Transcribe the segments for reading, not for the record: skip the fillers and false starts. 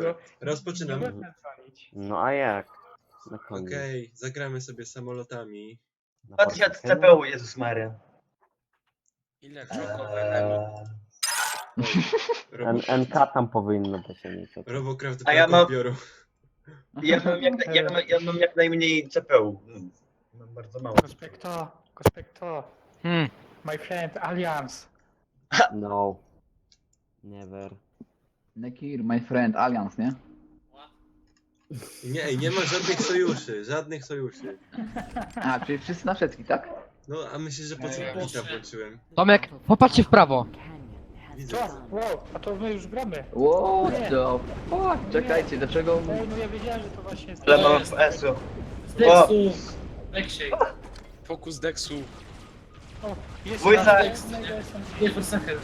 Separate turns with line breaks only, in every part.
Dobra, rozpoczynam.
Nie można dzwonić.
No a jak? Na koniec.
Okej, zagramy sobie samolotami.
Na
2000
Forsaken?
CPU, Jezus Maria.
Ile czokowe
NK tam powinno być, a nie to.
Robocraft
A ja
brak
mam-
odbioru.
Ja mam jak najmniej CPU. Mam bardzo mało.
Kospekto. My friend, Alliance.
No. Never.
Nekir, my friend, Alliance, nie?
Nie ma żadnych sojuszy.
A, czyli wszyscy na wszystkich, tak?
No, a myślisz, że po co bita włączyłem?
Tomek, popatrzcie w prawo.
Widzę.
Co? Wow, a to my już gramy.
What the fuck? Czekajcie, dlaczego...
Ej, no ja wiedziałem, że to właśnie jest...
Ale mam FPS-u.
Dexu! Dexie! Fokus Dexu!
O, jest
Dwójka.
raz,
Nie, Forsaken.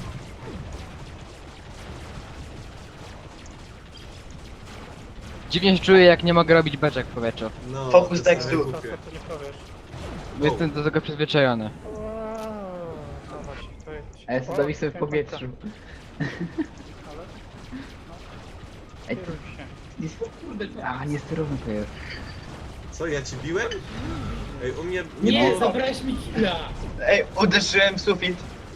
Dziwnie się czuję, jak nie mogę robić beczek w powietrzu.
No,
Focus
to
Dex
same
tu.
Co
głupie.
to nie powiesz?
Jestem do tego przyzwyczajony.
Wow, no właśnie, to jest...
A ja sobie zawisłem w powietrzu.
Ale...
Ej,
Kieruj się.
niesterowne to jest.
Co, ja ci biłem? Ej, u mnie
Nie,
było...
zabrałeś mi killa!
Ej, uderzyłem w sufit.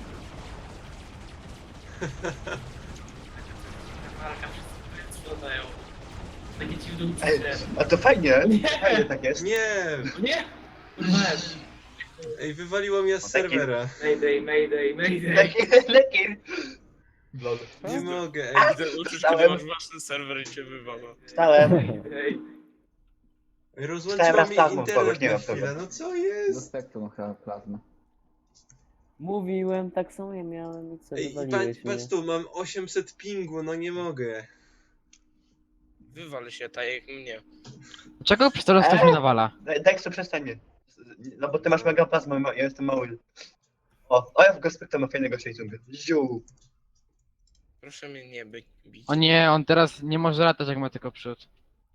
Walka, wszyscy sprzedają. Takie dziwne
Ej,
uczucie.
a to fajnie.
Nie.
Fajnie tak jest.
Nie!
Nie? Kurwa.
Ej, wywaliło mnie z serwera.
Mayday.
Lekir.
Nie mogę, ej.
Widzę uczuć,
Stałem.
kiedy masz własny serwer i cię wywala.
Stałem.
Ej,
Rozłączyło
raz
mnie
plazmą
internet
kogoś, nie
na
wiem
chwilę,
kogo.
no co
Do
jest?
spektrum chyba plazmy.
Mówiłem, tak samo ja miałem i co,
Ej, i
wywaliłeś
patrz
mnie.
tu, mam 800 pingu, no nie mogę.
wywal się tak jak mnie.
Dlaczego przez to ktoś mnie nawala?
Dexu, przestań mnie. No bo ty masz mega plazmę, ja jestem mały. O, ja w Gospekta ma fajnego shadinga. Ziu.
Proszę mnie nie bić.
O nie, on teraz nie może latać, jak ma tylko przód.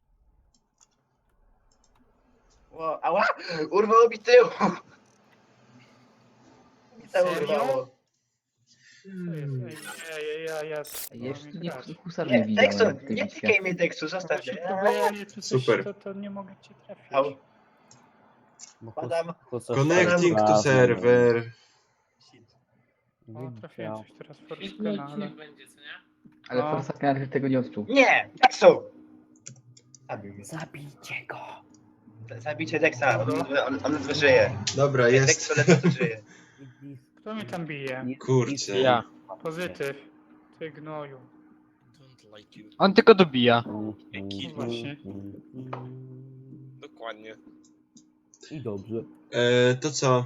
Wow, ała! Urwało mi tył! Mi tył
Serio?
urwało.
Co jest? Ej, ja...
Jeszcze nie
grać.
husar nie
Nie,
widział.
Dexu,
jak ty
nie
widzicie.
tykaj mnie Dexu, zostaw
Właśnie
mnie.
próbuję, nie czy coś,
Super.
to nie mogę cię trafić.
Au.
Bo
Padam.
Connecting to server.
O, trafiłem coś teraz
Piękny
Forskana, ale...
odcinek będzie, co nie?
Ale
No.
Forsaken tego nie odczuł.
Nie! Dexu! Zabił mnie.
Zabijcie go!
Zabijcie Dexa, on ledwo żyje.
Dobra,
Dex
jest.
to ledwo żyje.
Kto mnie tam bije?
Kurczę.
Ja.
Pozytyw. Ty gnoju.
Don't like you.
On tylko dobija.
Jaki
właśnie.
Dokładnie.
I dobrze.
To co?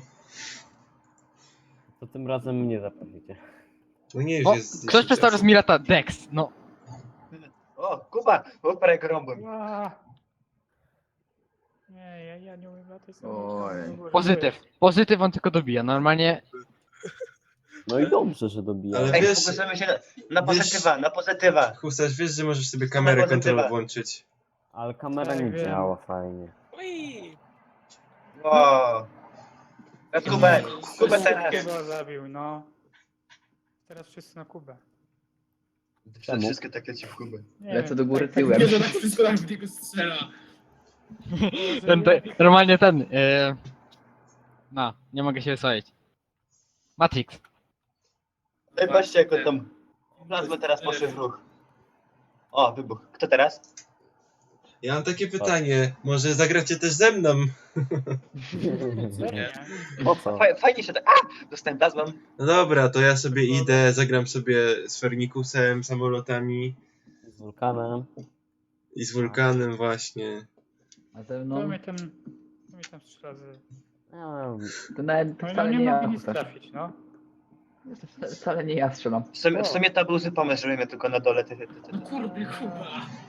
To tym razem mnie zaprosicie.
No nie, już
O,
jest...
ktoś przestał raz mi lata. Dex, no.
O, Kuba! Bo jak rąbłem.
Ła. Nie, ja nie umiem latać.
Oj.
Pozytyw on tylko dobija. Normalnie
No i dobrze, że dobija.
Ale
Ej,
wiesz-
fokusujemy się na pozytywa, na pozytywa.
Husarz, wiesz, że możesz sobie kamerę
Pozytywa.
kontrol włączyć.
Ale kamera nie
Tak, wiem.
działa fajnie.
Ui!
O. Kubę teraz.
Kuba zabił, no. Teraz wszyscy na Kubę.
Czemu?
Wszystkie takie ci w Kubę.
Nie
Lecę
wiem,
do góry
tak-
tyłem.
Nie, że tak wszystko tak w niego strzela.
normalnie ten. No, nie mogę się wysłać. Matrix.
Ej, patrzcie jak on tam... Plazmy teraz poszły w ruch. O, wybuch. Kto teraz?
Ja mam takie pytanie, może zagracie też ze mną?
Nie.
Po co?
Fajnie się tak... A! Dostałem plazmą.
No dobra, to ja sobie idę, zagram sobie z Fernikusem, samolotami
Z wulkanem.
i z Wulkanem właśnie.
A ze
Kto
mną...
mnie tam strzela z...
To nawet to
No
wcale
nie
nie ja.
mogę nic
Husar.
trafić, no.
To wcale nie ja strzelam.
W sumie to był zły pomysł, że mnie tylko na dole.
No kurde, Kuba.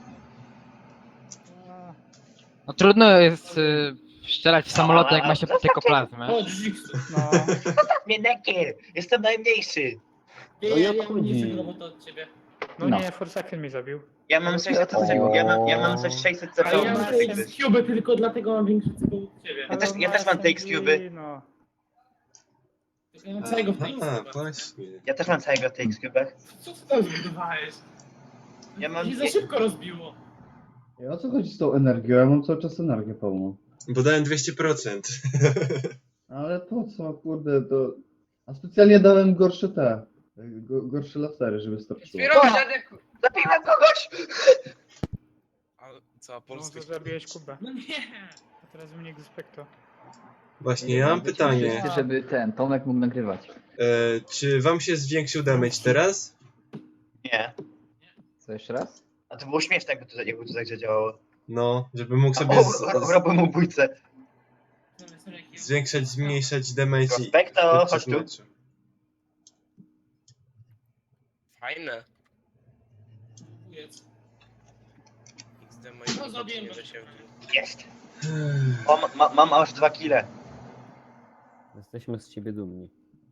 A,
No trudno jest strzelać w samoloty, jak ma się tylko plazmę.
O, Jigsaw.
no.
Mnie Nekir! Jestem najmniejszy!
Nie,
No
ja
jak
mam
chodzi?
mniejszego robota od ciebie.
No
No.
nie, Forsaken mi zabił.
Ja mam 600
O.
CPU, ja mam coś 600
A
CPU.
ja mam X-Cube tylko dlatego mam większy CPU od ciebie.
Ja
Ale
też-
on
ja
ma
też mam te
SMG,
X-Cube'y.
No.
Ja mam całego w tej
Aha, właśnie.
Ja też mam całego w tej X-Cubach.
Co ty tam zbudowałeś?
Ja mam...
Się za szybko rozbiło.
I o co chodzi z tą energią? Ja mam cały czas energię pełną.
Bo dałem 200%.
Ale po co, kurde, to... A specjalnie dałem gorsze te... Gorsze lasery, żeby starczyło.
Zabiłem kogoś!
A co,
No,
polski?
to zabiłeś Kubę.
No nie.
A teraz mnie Gspekto.
Właśnie, ja mam pytanie.
Wszyscy, żeby Tomek mógł nagrywać.
Czy wam się zwiększył damage teraz?
Nie.
Co, jeszcze raz?
A to było śmieszne, jakby to tak działało.
No, żeby mógł sobie
Robiłem ubójcę.
zwiększać, zmniejszać damage i
Prospekto,
podczas
chodź tu.
meczu.
Fajne.
Jest.
XD mojego
No, zrobiłem
nie
to.
da się
Jest. O, mam aż 2 kile.
Jesteśmy z ciebie dumni.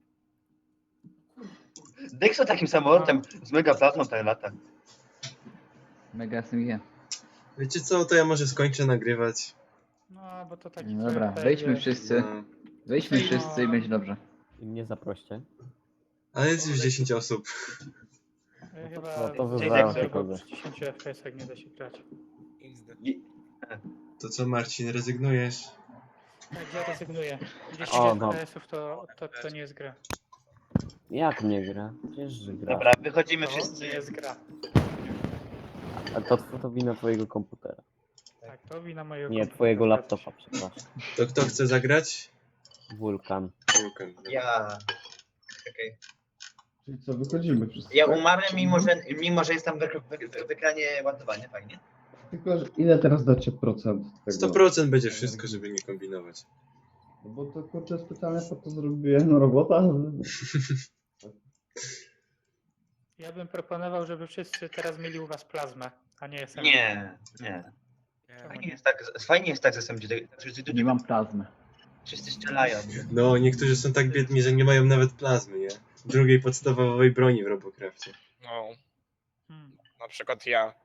Dexo takim samolotem z mega plazmą ten lata.
Mega SMG.
Wiecie co, to ja może skończę nagrywać.
No, bo to taki...
No dobra,
trochę
wejdźmy
wiesz,
wszyscy.
No.
Wejdźmy wszyscy i będzie dobrze.
I mnie zaproście.
Ale jest już 10 osób.
Chyba
to
wybrałem
tylko
bo
go.
przy 10 FPS-ach nie da się grać.
XD.
To co, Marcin, rezygnujesz?
Tak, ja rezygnuję. 10
O, no.
FPS-ów to nie jest gra.
Jak nie gra? Przecież że gra.
Dobra, wychodzimy
To
wszyscy.
nie jest gra.
A to wina twojego komputera.
Tak, to wina mojego
Nie,
komputera.
twojego laptopa, przepraszam.
To kto chce zagrać?
Wulkan.
Wulkan.
Ja. Okej.
Czyli co, wychodzimy wszyscy.
Ja
tak?
umarłem, mimo że jest tam w ekranie ładowanie, fajnie.
Tylko, że ile teraz dacie procent tego?
100% będzie wszystko, żeby nie kombinować.
No bo to kurczę specjalnie po to zrobiłem robota.
Ja bym proponował, żeby wszyscy teraz mieli u was plazmę, a nie SMG.
Nie.
Nie.
Fajnie jest tak z SMG,
Nie mam plazmy.
wszyscy strzelają.
No, niektórzy są tak biedni, że nie mają nawet plazmy, nie? Drugiej podstawowej broni w Robocrafcie.
No,
Hmm.
na przykład ja.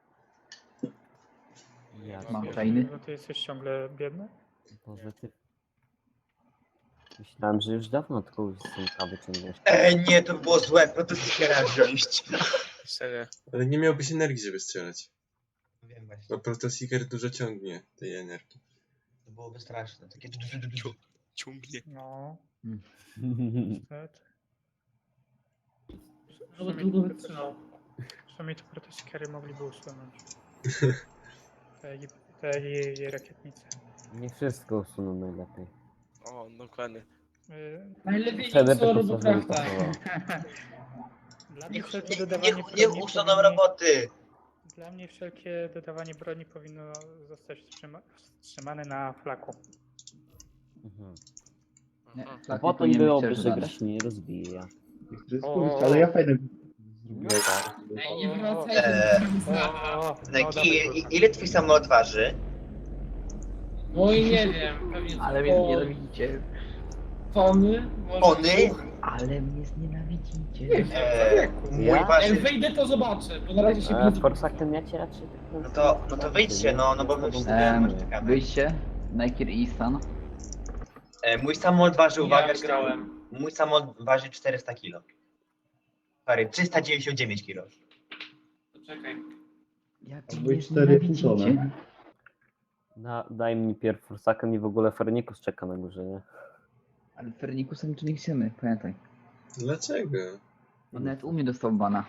Ja
Mam
pierdolę.
fajny.
No ty jesteś ciągle biedny?
Boże ty. Myślałem, że już dawno tylko synka wyciągniesz.
Nie, to by było złe, protostykera wziąć.
Serio.
Ale nie miałbyś energii, żeby strzelać.
Wiem właśnie,
Bo Protoseeker dużo ciągnie tej energii.
to byłoby straszne. Takie...
Ciągnie.
No,
Hmm.
niestety.
No bo długo wytrzymał.
Przynajmniej to protosikery mogliby usunąć. Te jej rakietnice.
Nie wszystko usuną najlepiej.
O, dokładnie.
Najlepiej
Wtedy
nie co
by to sobie
Robocrafta.
pasowało.
Dla mnie wszelkie
Nie
dodawanie broni
usuną
powinni-
roboty!
Dla mnie wszelkie dodawanie broni powinno zostać wstrzymane na flaku.
Mhm.
Nie,
Aha.
A
flaki
potem
powinien być
byłoby,
też
że
dodane.
gra się nie rozwija.
Ale ja fajne
No
zrobiłem.
tak.
Ej, nie wracaj
O,
Ile twój samolot waży?
No i nie wiem, pewnie
Ale mnie znienawidzicie.
tony? Może
Tony?
dwóch.
Ale mnie znienawidzicie.
Mój
Ja?
Jak
waży...
wejdę to zobaczę, bo na razie się
A
nie
Forsaken ja cię raczej tak
No to wyjdźcie, no bo my wszyscy czekamy.
Wyjście. Nike i Stan.
Mój samolot waży, uwaga,
Ja grałem.
mój samolot waży 400 kg. Sorry, 399 kg.
Czekaj.
Jak
Albo
mnie
i 4,5
znienawidzicie?
tony.
Daj mi pierw Forsaken i w ogóle Fernikus czeka na górze, nie?
Ale Fernikusem tu nie chcemy, pamiętaj.
Dlaczego?
On nawet u mnie dostał bana.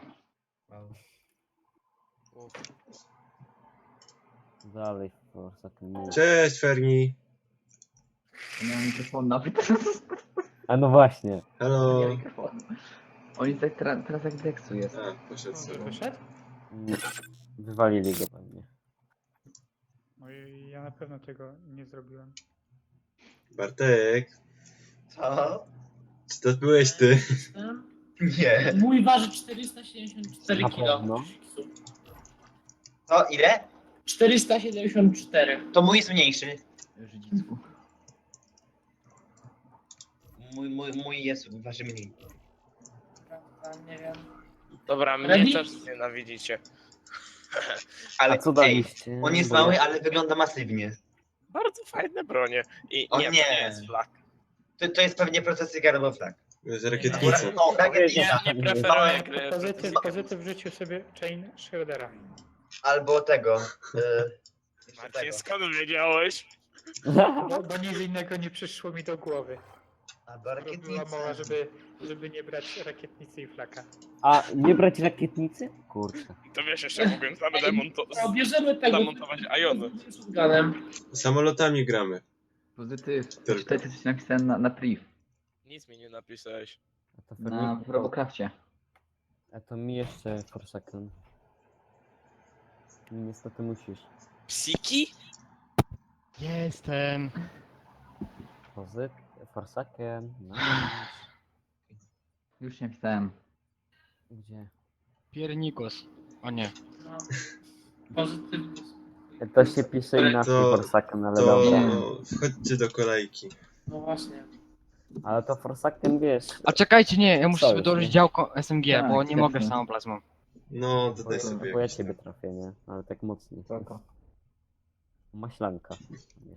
Dalej Forsaken. mów.
Cześć, Ferni.
Nie mam mikrofonu nawet.
A no właśnie.
Halo.
Nie mam mikrofonu. On jest tak teraz jak Dexu jest.
A, poszedł
On
sobie.
wyszedł?
Wywalili go pewnie.
No i ja na pewno tego nie zrobiłem.
Bartek,
Co?
czy to byłeś ty?
Nie.
Mój waży 474
Na
kg.
pewno.
Co? Ile?
474.
To mój jest mniejszy.
Żydzicku.
Mój jest, waży mniej.
Nie wiem.
Dobra, mnie
Ready?
też nienawidzicie.
Ale
A co
ej,
daliście?
on jest
Bo ja-
mały, ale wygląda masywnie.
Bardzo fajne bronie. I
O
nie,
nie.
to nie jest flak.
To jest pewnie procesor albo flag.
Z rakietnicą.
O, rakietnica.
Nie preferuję gry.
Pozytyw w życiu sobie chain Schrodera.
Albo tego. Jeszcze
Marcin,
tego.
skąd wiedziałeś?
Bo nic innego nie przyszło mi do głowy.
Albo
Była
rakietnica.
mowa, żeby nie brać rakietnicy i flaka.
A nie brać rakietnicy? Kurczę.
To wiesz, jeszcze mogłem
O, bierzemy tego.
zamontować Iony.
Z shotgunem.
Samolotami gramy.
Pozytyw.
Tylko.
Czytaj, co ci napisałem na priv.
Nic mi nie napisałeś.
A to
Na
Ferniku,
Robocrafcie.
a to mi jeszcze Forsaken. Niestety musisz.
Psiki?
Jestem.
Forsaken. No.
Już nie napisałem.
Gdzie?
Piernikos. O nie.
No. Pozytyw.
To się pisze inaczej
To-
Forsaken, ale
To
dobra.
wchodźcie do kolejki.
No właśnie.
Ale to Forsaken wiesz.
A czekajcie, nie, ja muszę
Co
sobie
już,
dołożyć
nie?
działko SMG,
Tak,
bo nie mogę
jasne.
samą plazmą.
No, dodaj
To,
sobie.
bo ja
jakiś
ciebie
tam.
trafię, nie? Ale tak mocniej.
Spoko.
Maślanka. Wiesz.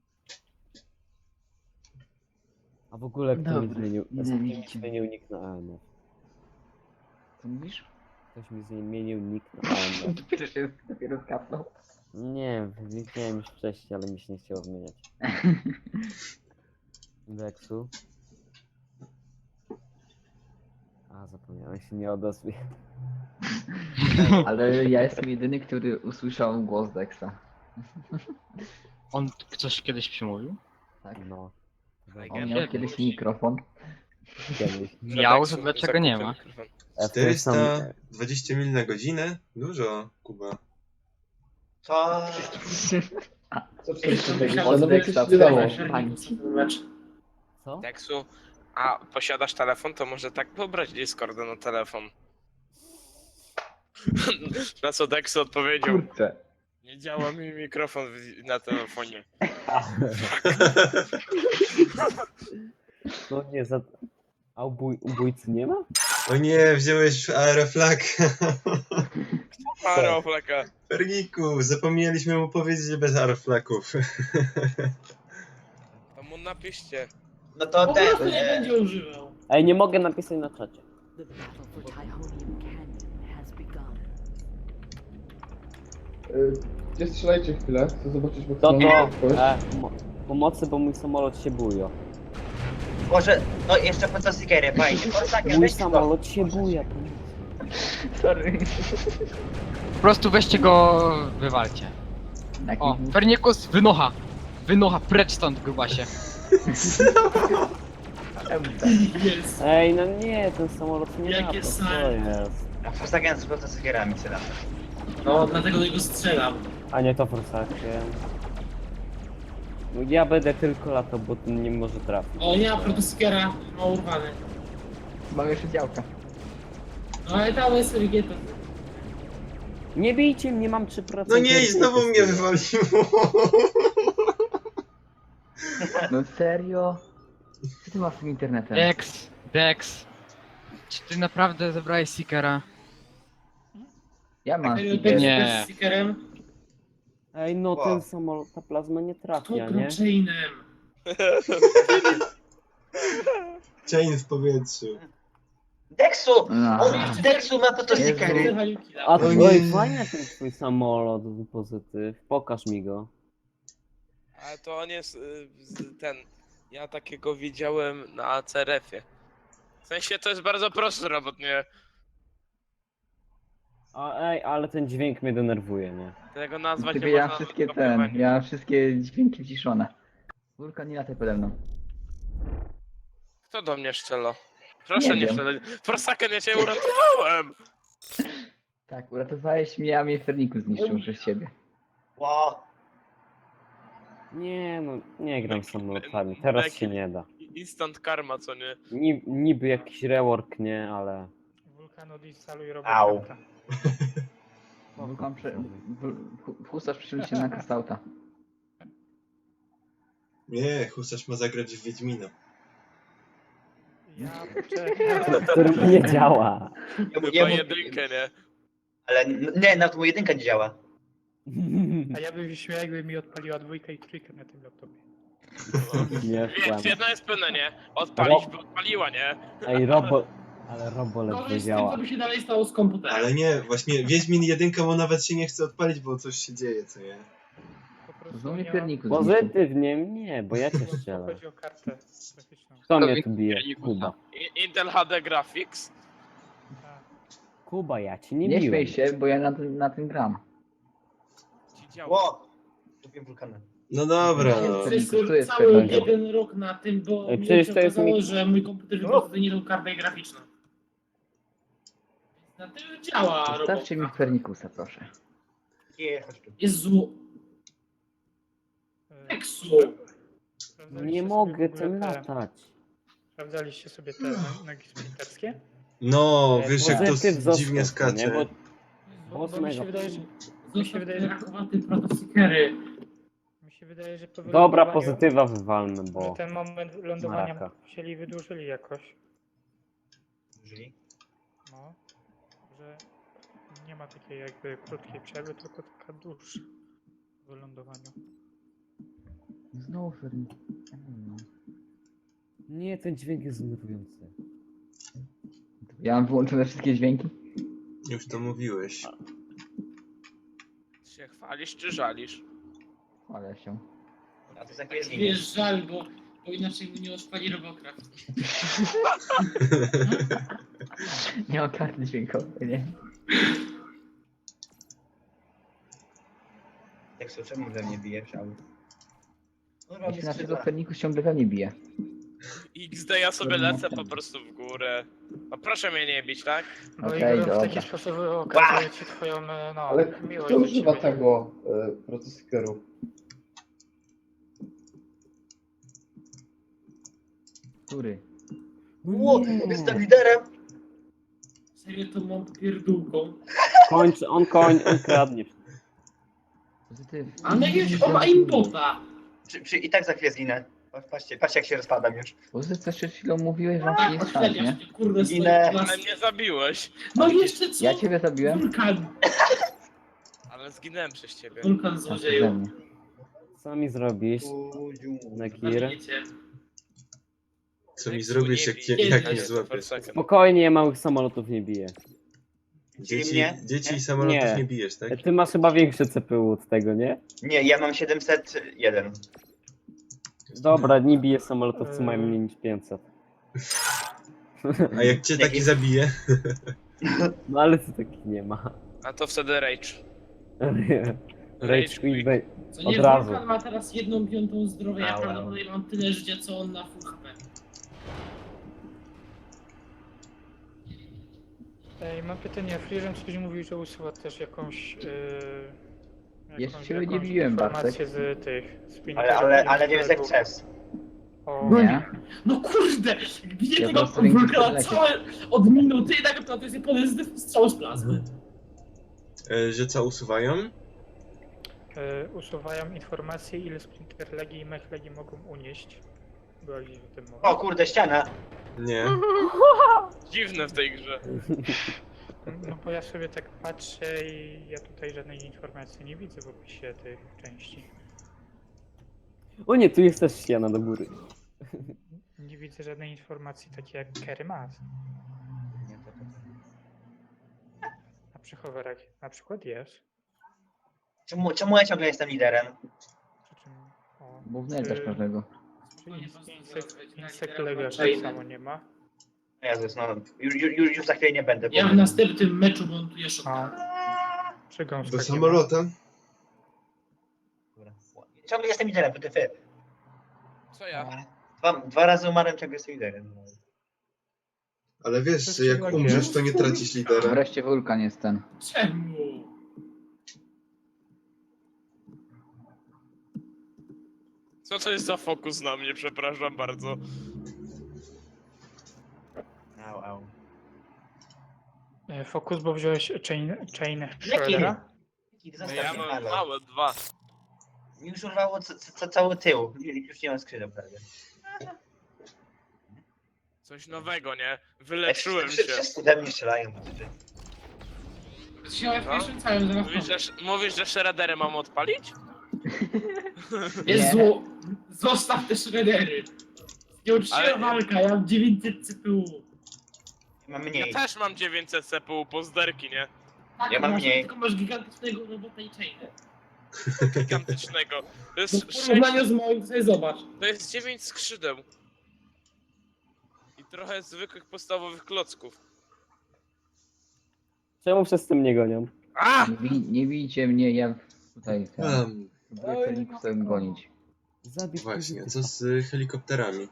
A w ogóle kto mi
Dobra,
zmienił?
nie
Kto mi
widzicie.
zmienił nick na AMF?
Co mówisz?
Ktoś mi zmienił nick na AMF.
Dopiero skapnął.
Nie, wiedziałem już wcześniej, ale mi się nie chciało zmieniać. Dexu. A, zapomniałem się nie odezwie.
Ale ja jestem jedyny, który usłyszał głos Dexa.
On coś kiedyś przymówił?
Tak.
No.
On miał kiedyś mikrofon.
Kiedyś.
Miał, to dlaczego nie ma?
W tym samym-
420 mil na godzinę? Dużo, Kuba.
Co?
Co 420?
Myślałem,
No
że
jakieś
Dexa
nie dało.
Mecz.
Co?
Deksu, a posiadasz telefon, to może tak pobrać Discorda na telefon. Na co Deksu odpowiedział,
Kurczę.
nie działa mi mikrofon na telefonie.
No nie, za... A ubójcy nie ma?
O nie, wziąłeś aeroflag.
Aeroflaka.
Ferniku, zapomnieliśmy mu powiedzieć, że bez aeroflaków.
To mu napiszcie.
No to
Po
ten.
prostu nie będzie używał.
Ej, nie mogę napisać na czacie.
The battle for Tyhonium Canyon has begun.
Gdzie strzelajcie chwilę, chcę zobaczyć
To
maksymalną
to!
prędkość.
Pomocy, bo mój samolot się buja.
Może, no jeszcze po co stickery, fajnie. Forsaken,
Mój
weź to.
samolot się buja.
Sorry.
Po prostu weźcie go, wywalcie. O, Fernikus, wynocha! Wynocha, precz stąd, grubasie.
Jest.
Ej, no nie, ten samolot nie
Jakie
ma, to co
sary.
jest?
A Forsaken z po stickerami się da.
No, dlatego do niego strzelam.
A nie to Forsaken. No ja będę tylko latał, bo ten nie może trafić.
O nie, a protoskiera ma urwany.
Mam jeszcze działka.
No ale tam jest Rigieta.
Nie bijcie mnie, mam 3%.
No nie, i znowu mnie
testuję.
wywaliło.
No serio? Co ty masz z tym internetem?
Dex. Czy ty naprawdę zebrałeś Seekera?
Ja mam
Serio,
sticker.
Nie.
z stickerem?
Ej, no
Wow.
ten samolot, ta plazma nie
To
trafia, nie?
blockchainem.
Chain w powietrzu.
Deksu!
No.
Deksu ma po to
Jezu.
stickery.
A
O
to
nie.
oj, fajny ten twój samolot, pozytyw. Pokaż mi go.
Ale to on jest ten. Ja takiego widziałem na CRF-ie. W sensie to jest bardzo prosty robot, nie?
A ej, ale ten dźwięk mnie denerwuje, nie?
Tego nazwać
Tylko
nie
ja
można
wszystkie
kopiowanie.
ja wszystkie dźwięki wciszone. Wulkan nie lataj pode mną.
Kto do mnie strzela? Proszę
Nie
nie
wiem.
strzelać. Forsaken, ja cię uratowałem!
Tak, uratowałeś mnie, a mnie Ferniku zniszczył przez siebie.
Wow.
Nie no, nie gram z samolotami, teraz się nie da.
Instant karma, co nie?
Niby jakiś rework, nie, ale...
Wulkan odinstaluj
Au.
robota.
Wulkan Husarz przyszedł się na Kastauta.
Nie, Husarz ma zagrać w Wiedźmina.
Ja czekam.
Który nie działa.
Chyba jedynkę, nie?
Ale nie, nawet mu jedynka nie działa.
A ja bym się śmiał, jakby mi odpaliła dwójkę i trójkę na tym laptopie.
Nie,
Więc jedno jest pewne, nie? Odpalić by odpaliła, nie?
Ej, Robo... Ale Robo ledwo
Gorzej z tym,
działa.
co by się dalej stało z komputerem.
Ale nie, właśnie Wiedźmin 1 mu nawet się nie chce odpalić, bo coś się dzieje, co nie?
Po prostu
Znowu mnie
nie
pierniku
mam-
zniszczył.
Pozytywnie nie, bo ja cię
bo
strzelę.
chodzi o kartę graficzną.
Kto mnie tu bije? Kuba.
Intel HD Graphics.
Tak.
Kuba, ja ci nie
Nie
biłem.
śmiej się, bo ja na tym gram.
Ci działa.
Ło! Kupiłem wulkanę.
No dobra, no.
Przecież-
Przez
to
cały
jest
jeden rok na tym, bo
Ej,
mi
przecież
się
to jest
okazało,
mi-
że mój komputer wyprodukował nie tą kartę graficzną. Na tym działa
Zostawcie mi
robota.
Fernikusa, proszę.
Nie, chodź tu.
Jezu,
E,
Eksu.
sprawdzaliście
Nie
sobie
mogę
w ogóle
tym
te-
latać.
Sprawdzaliście sobie te nogi sprinterskie?
No, wiesz jak to
Pozytyw został,
dziwnie
nie?
skacze.
Bo mi się wydaje, że... Mi się wydaje, że...
Rakowaty protostickery.
Mi się wydaje, że po
Dobra,
wylądowaniu-
pozytywa wywalmy,
że
bo...
ten moment lądowania
Maraka.
musieli wydłużyli jakoś.
Użyli.
No, że nie ma takiej jakby krótkiej przerwy, tylko taka dłuższa w wylądowaniu.
Znowu Fernikus.
Nie, ten dźwięk jest zmrujący.
Ja mam wyłączone wszystkie dźwięki?
Już to mówiłeś.
Się chwalisz czy żalisz?
Ale się.
A to za chwilę zginie.
Wiesz, żal, bo inaczej mu nie odpali Robocraft.
Nie mam karty dźwiękowej, nie?
Tekstu, czemu we mnie bije? Chciałbym. Dobra,
Jeśli naszego Fernikus ciągle we mnie bije.
XD ja sobie lecę po prostu w górę. No proszę mnie nie bić, tak?
No
Okej,
i w taki
dobra.
sposób okazuje ci twoją no,
Ale
miłość
kto
do
używa
ciebie.
tego procesikeru?
Który?
Ło, jestem liderem!
Serio to mam pierdółką.
On kradnie.
Pozytyw.
A na jakiegoś on ma imbota.
I tak za chwilę zginę. Patrzcie jak się rozpadam już.
Pozytyw, coś przed chwilą mówiłeś, że on
Tak,
ci jest szans,
odstawiasz
nie?
mnie, kurde,
Ginę.
swoje
Ale
klasy.
mnie zabiłeś.
No i jeszcze co?
Ja ciebie zabiłem?
Wulkan.
Ale zginęłem przez ciebie.
Wulkan
A ty ze
złodzieju.
mnie.
Co mi zrobisz, Nakir?
Zabijecie.
Co mi
Tekstu
zrobisz,
nie
jak,
bij.
jak
Nie,
mnie
nie,
złapiesz?
Spokojnie, ja małych samolotów nie biję.
Dzieci i samolotów
Nie.
nie bijesz, tak?
Ty masz chyba większe CPU od tego, nie?
Nie, ja mam 701.
Dobra, nie biję samolotów, co mają mniej niż 500.
A jak cię taki zabije?
No ale co taki nie ma.
A to wtedy rage.
Rage quit,
Co
Od
nie,
razu.
Wulkan ma teraz 1/5 zdrowia, ja
Au, au.
prawdopodobnie mam tyle życia, co on na full HP.
Ej, mam pytanie, Freerem coś mówił, że usuwa też jakąś...
Jeszcze ciebie nie biłem, Bartek.
informację z tych... z
Ale nie jest jak przez.
O,
No
Nie?
No kurde! Gdzie
Ja
tego
po prostu ręki
Wulkana
podlecie.
całe od minuty i tak to jest podejrzany strzał z plazmy.
Że co, usuwają?
usuwają informacje, ile Splinter Legii i Mech Legii mogą unieść. Była gdzieś o tym mowa.
O kurde, ściana!
Nie.
Dziwne w tej grze.
No bo ja sobie tak patrzę i ja tutaj żadnej informacji nie widzę w opisie tych części.
O nie, tu jest też ściana do góry.
Nie widzę żadnej informacji takiej jak Kerry Mass. A przy hoverach na przykład jest.
Czemu ja ciągle jestem liderem?
Przy czym... O,
Bo wnętrzasz każdego.
Czy Insect Lega tak
Chainy.
samo nie ma?
Jezus, no już za chwilę nie będę.
Ja w następnym meczu montuję
A.
shotgun.
Czy gąska
Do
nie ma?
samolotem?
Ciągle jestem liderem, to ty.
Co ja?
Dwa razy umarłem, ciągle jestem liderem.
Ale wiesz, że jak
Tak
umrzesz,
jest.
to nie tracisz lidera.
Wreszcie Wulkan jest ten.
Czemu?
Co to jest za fokus na mnie, przepraszam bardzo.
Au.
Fokus, bo wziąłeś chain Shreddera?
Ja mam małe, 2.
Mi już urwało cały tył. Już nie mam skrzydeł prawie.
Coś nowego, nie? Wyleczyłem się.
Wszyscy we mnie strzelają.
Się pierwszym całym zaraz.
Mówisz, że Shreddery mam odpalić?
Jezu! Zostaw te shreddery. Nie uczciwa
Ale-
walka, ja mam 900 CPU.
Mam
Ja
mniej.
też mam 900 CPU pozderki, nie?
Tak,
Ja mam
masz,
mniej.
tylko masz gigantycznego robota i chainę.
Gigantycznego. To
No
jest
w
6,
porównaniu z moim, to sobie zobacz.
to jest 9 skrzydeł. I trochę zwykłych podstawowych klocków.
Czemu wszyscy mnie gonią?
A!
Nie bijcie mnie, ja tutaj
Mam.
próbuję Felikusa gonić.
Zabić
Właśnie, co z helikopterami?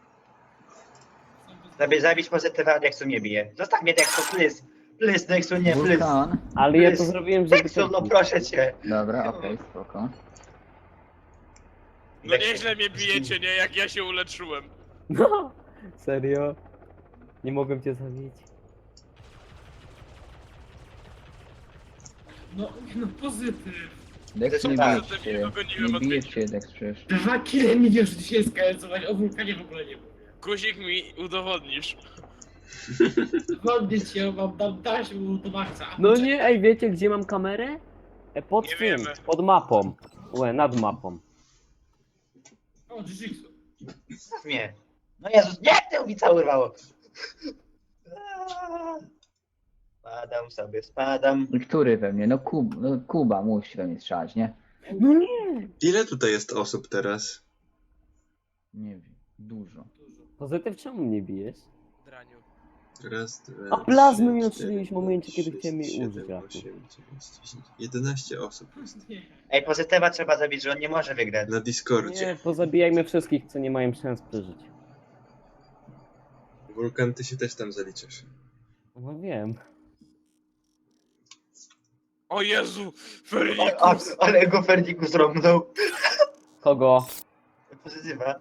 Zabić pozytywa, Dexu nie bije. Zostaw mnie, Dexu, please. Please, Dexu, nie, please.
Wulkan.
Ale ja to
Jest.
zrobiłem, żeby...
Dexu, no proszę cię.
Dobra, okej, spoko.
No nieźle mnie bijecie, nie? Jak ja się uleczyłem.
No, serio? Nie mogłem cię zabić.
No pozytyw.
Dex, nie
Tak.
bijesz się.
Dogoniłem
Nie
od
bijesz się, Dex, przecież.
2 kile mi wiesz dzisiaj skalencować, o wulkanie w ogóle nie mówię.
Guzik mi udowodnisz.
Chodnie cię, mam tam taśmę do maksa.
No nie, ej, wiecie gdzie mam kamerę? Pod
Nie
tym,
wiemy.
pod mapą. Nad mapą.
O, Jujitsu.
Zostaw mnie. No Jezus, nie, to mi całe urwało. Spadam sobie, spadam.
I który we mnie? No Kuba musi we mnie strzelać, nie?
No nie!
Ile tutaj jest osób teraz?
Nie wiem, dużo.
Pozytyw, czemu mnie bijesz?
Draniu.
Raz, dwa,
A plazmy mi
trzy,
odstrzeliłeś w
cztery,
momencie, kiedy
sześć,
chciałem jej
siedem,
użyć, Raku.
8, 9, 10, 11 osób jest.
Nie.
Ej, pozytywa trzeba zabić, że on nie może wygrać.
Na Discordzie.
Nie, pozabijajmy wszystkich, co nie mają szans przeżyć.
Wulkan, ty się też tam zaliczasz.
No wiem.
O Jezu!
O,
Fernikus!
ale go Ferniku zrobnął.
Kogo?
Pozytywa.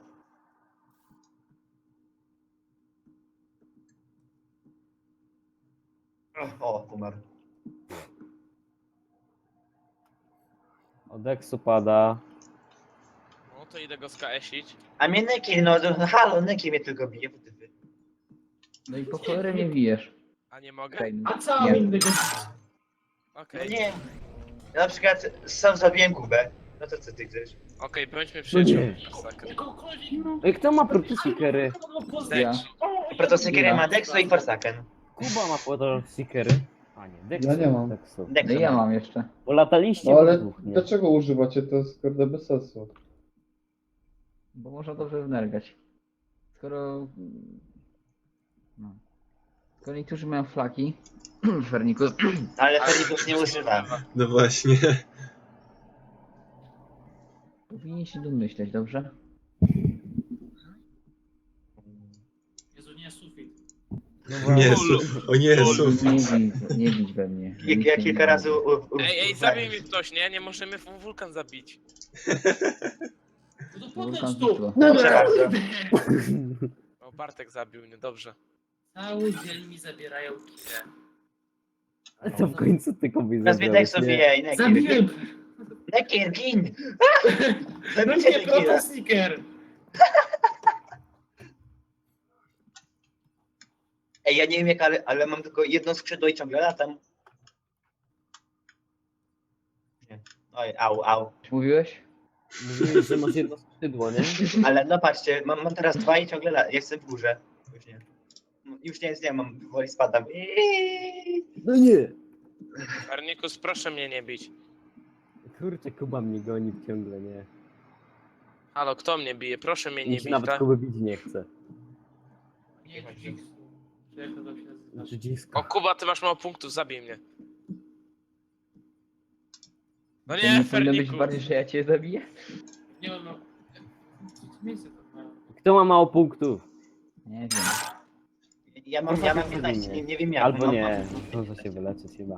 O, umarł.
Od Exu pada.
No to idę go skaesić.
A mnie Neki, no halo, Neki mnie tylko bije.
No i po cholerę mnie bijesz.
A nie mogę?
Okej,
A co
Nie.
innego?
No
Okej.
nie. Ja na przykład sam zabiłem Kubę. No to co ty chcesz?
Okej, bądźmy
No
przyjaciółmi.
nie.
Masakra.
Jakokolwiek.
Ej, kto ma protosikery?
Ja.
Protosykerę ma Dexu i Forsaken.
Kuba ma protosikery. A nie, Dexu.
Ja nie mam.
Dexu.
No
Dexu
i ja
ma.
mam jeszcze.
Bo lataliście
No ale
dwóch, nie?
dlaczego używacie? To jest kurde bez sensu.
Bo można dobrze wnergać. Skoro... No. Skoro niektórzy mają flaki, Fernikus,
Ale Fernikus nie używa.
No właśnie.
powinien się domyśleć, dobrze?
Jezu, nie sufit.
Nie, o nie,
Lol.
sufit.
Nie bić we mnie.
Ja kilka razy
Ej, zabij mi ktoś, nie? Nie możemy wulkan zabić.
No to
Wulkan
podejdź tu.
znikło.
Proszę bardzo.
O, Bartek zabił mnie, dobrze.
Cały dzień mi zabierają kile.
To w końcu ty komuś
Nazwie
zabrałeś,
Dexu
nie?
bije i Neki.
Zabiłem!
Neki, gin!
No
Zabijcie
nie,
Nekira.
protosniker!
Ej, ja nie wiem jak, ale mam tylko jedno skrzydło i ciągle latam. Nie. Oj, au.
Mówiłeś?
Mówiłeś, że masz jedno skrzydło, nie?
Ale no patrzcie, mam teraz dwa i ciągle latam. Jestem w górze. Już nie. No, już nic nie mam, woli spadam.
No nie!
Fernikus, proszę mnie nie bić.
Kurczę, Kuba mnie goni ciągle, nie?
Halo, kto mnie bije? Proszę mnie nie
Nikt
bić,
nawet
tak?
Kuby bić nie chce.
Nie, Jujitsu. Czy jak to tam się nazywa?
Dzidzisko.
O, Kuba, ty masz mało punktów, zabij mnie. No
To
nie,
powinno być
Fernikus.
bardziej, że ja cię zabiję?
Nie mam no. Miejsce to mają.
Kto ma mało punktów?
Nie wiem.
Ja mam 15, nie wiem jak.
Albo
mam,
nie, może się wyleczyć chyba.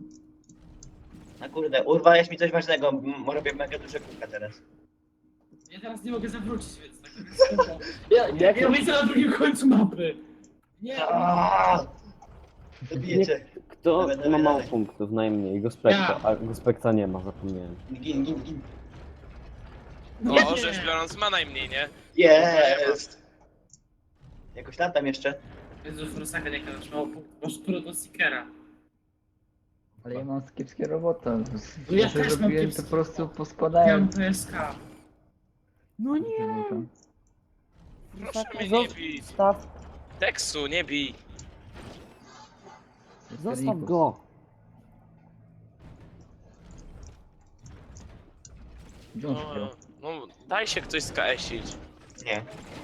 A kurde, urwałeś mi coś ważnego, robię mega duże kółka teraz.
Ja teraz nie mogę zawrócić, więc tak spoko. Ja widzę na drugim końcu mapy. Nie,
Aaaa! Zabijecie.
Kto
Dawaj,
ma mało
dawaj.
punktów? Najmniej. Gospekta.
Ja.
A Gospekta nie ma, zapomniałem.
Gin.
O, rzecz biorąc ma najmniej, nie?
Jest! Jakoś latam jeszcze.
Jezu, Forsaken, jak masz mało punktów, masz protosnikera.
Ale ja mam kiepskie robota.
Ja
Co
też mam
zrobiłem, to
kiepskie
po prostu
Ja
poskładałem.
mam PSK.
No nie!
Proszę mnie nie bij.
Zostaw,
Teksu, nie bij.
zostaw go!
Gdzie on się dzieje?
No, daj się ktoś skasić.
Nie.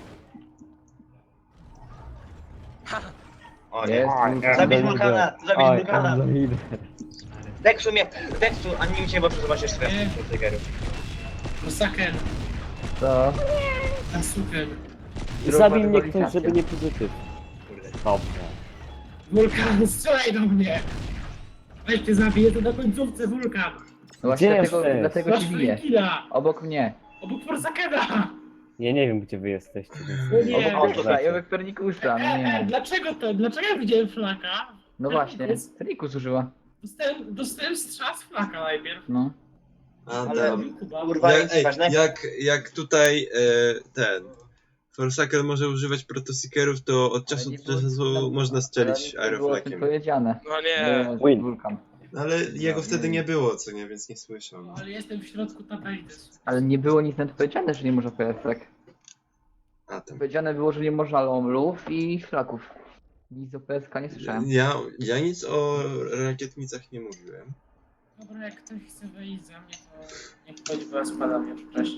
O
Jest,
nie. Zabij Wulkana! Zabij
Oj,
Wulkana!
Androidy.
Deksu mnie! Deksu! A nie cię, bo zobaczysz
Nie.
strefę triggerów.
Masaker,
Co?
Asuker.
Zabij mnie
rywalizacja.
ktoś, żeby nie pozytyw.
Kurde.
Dobrze.
Wulkan, strzelaj do mnie! Weź cię zabiję, to na końcówce Wulkan!
No właśnie
Gdzie
dlatego,
jesteś?
dlatego
Masz
się bije.
killa!
Obok mnie.
Obok Forsakera!
Ja nie wiem, gdzie wy jesteście. Więc
No nie.
Obok tutaj, obok Pernikusa, no nie.
Dlaczego to? Dlaczego ja widziałem flaka?
No właśnie, Pernikus użyła.
Dostałem strzał z flaka najpierw.
No.
Ale
Kuba.
kurwa,
Ja,
nic
ej,
ważnego.
jak tutaj ten Forsaker może używać protoseekerów, to od czasu
Ale nie
do
było-
czasu
tam-
można
ale
strzelić
nie było o tym
aeroflakiem.
powiedziane.
No nie.
Było
Win.
Wulkan.
Ale jego
No,
wtedy
nie.
nie było, co nie, więc nie słyszał.
No, ale jestem w środku tabeli też.
Ale nie było nic nawet powiedziane, że nie można PSek.
A tam.
Powiedziane było, że nie można lomlów i flaków. Nic o PSK nie słyszałem.
Ja nic o rakietnicach nie mówiłem.
Dobra, jak ktoś chce wejść za mnie, to niech chodzi, bo ja spadam już. Cześć.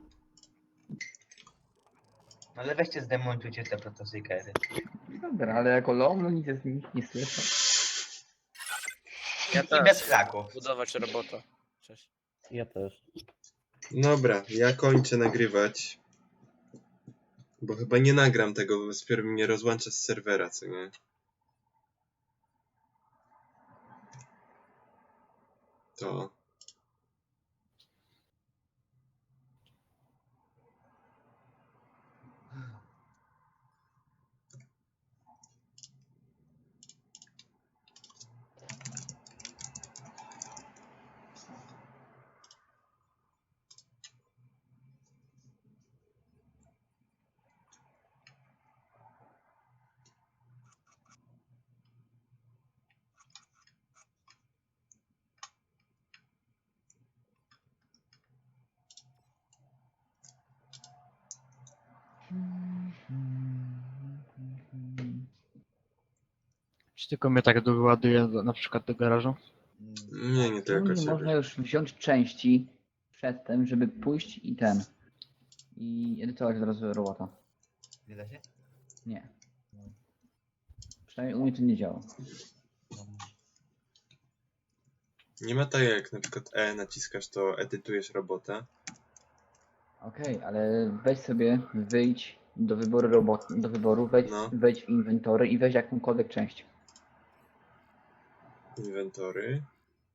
Ale weźcie zdemontujcie te protosykery.
Dobra, ale jako lomlu nic z nich nie słyszę.
Ja
I
też.
bez flaków.
Budować robota. Cześć.
Ja też.
Dobra, ja kończę nagrywać. Bo chyba nie nagram tego, bo dopiero mnie rozłącza z serwera, co nie? To.
Czy tylko mnie tak doładuje na przykład do garażu?
Nie, nie
Czemu
tylko
nie można
ciebie.
już wziąć części przedtem, żeby pójść i ten. I edytować od razu robota.
Nie da się?
Nie. Przynajmniej u mnie to nie działa.
Nie ma tak jak na przykład E naciskasz, to edytujesz robotę.
Okej, ale weź sobie, wyjdź do wyboru robot, do wyboru,
No.
wejdź w inwentory i weź jakąkolwiek część.
Inwentory.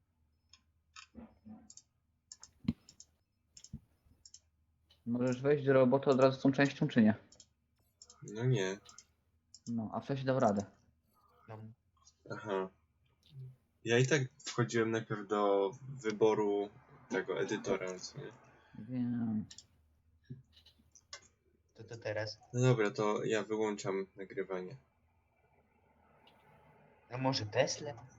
Możesz wejść do roboty od razu z tą częścią, czy nie?
No nie.
No, a wcześniej dał radę.
Aha. Ja i tak wchodziłem najpierw do wyboru tego edytora, co nie?
Wiem.
To teraz.
No dobra, to ja wyłączam nagrywanie.
A może Tesla?